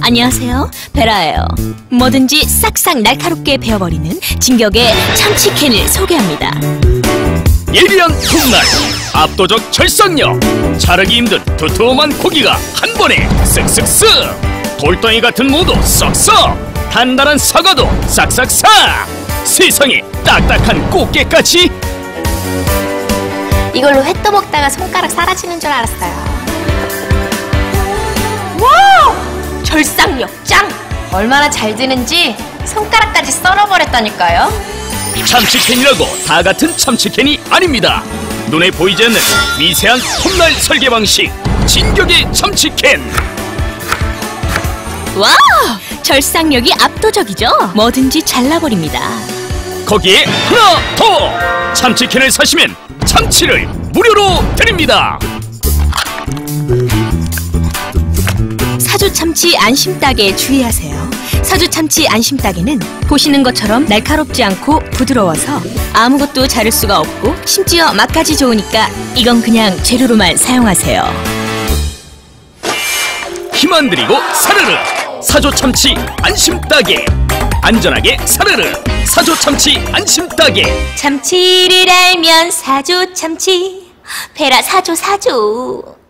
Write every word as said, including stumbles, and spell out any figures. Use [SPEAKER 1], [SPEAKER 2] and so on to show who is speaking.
[SPEAKER 1] 안녕하세요, 베라예요. 뭐든지 싹싹 날카롭게 베어버리는 진격의 참치캔을 소개합니다.
[SPEAKER 2] 예리한 톱날, 압도적 절삭력, 자르기 힘든 두툼한 고기가 한 번에 쓱쓱쓱, 돌덩이 같은 무도 쏙쏙, 단단한 사과도 싹싹싹, 세상에 딱딱한 꽃게까지.
[SPEAKER 3] 이걸로 회 떠먹다가 손가락 사라지는 줄 알았어요. 와우! 절삭력 짱! 얼마나 잘 드는지 손가락까지 썰어버렸다니까요.
[SPEAKER 2] 참치캔이라고 다 같은 참치캔이 아닙니다. 눈에 보이지 않는 미세한 톱날 설계 방식, 진격의 참치캔.
[SPEAKER 1] 와우! 절삭력이 압도적이죠? 뭐든지 잘라버립니다.
[SPEAKER 2] 거기에 하나 더! 참치캔을 사시면 참치를 무료로 드립니다.
[SPEAKER 1] 사조 참치 안심 따개에 주의하세요. 사조 참치 안심 따개는 보시는 것처럼 날카롭지 않고 부드러워서 아무것도 자를 수가 없고 심지어 맛까지 좋으니까 이건 그냥 재료로만 사용하세요.
[SPEAKER 2] 힘 안 들이고 사르르 사조 참치 안심 따개. 안전하게 사르르 사조 참치 안심 따개.
[SPEAKER 3] 참치를 알면 사조 참치, 베라 사조 사조.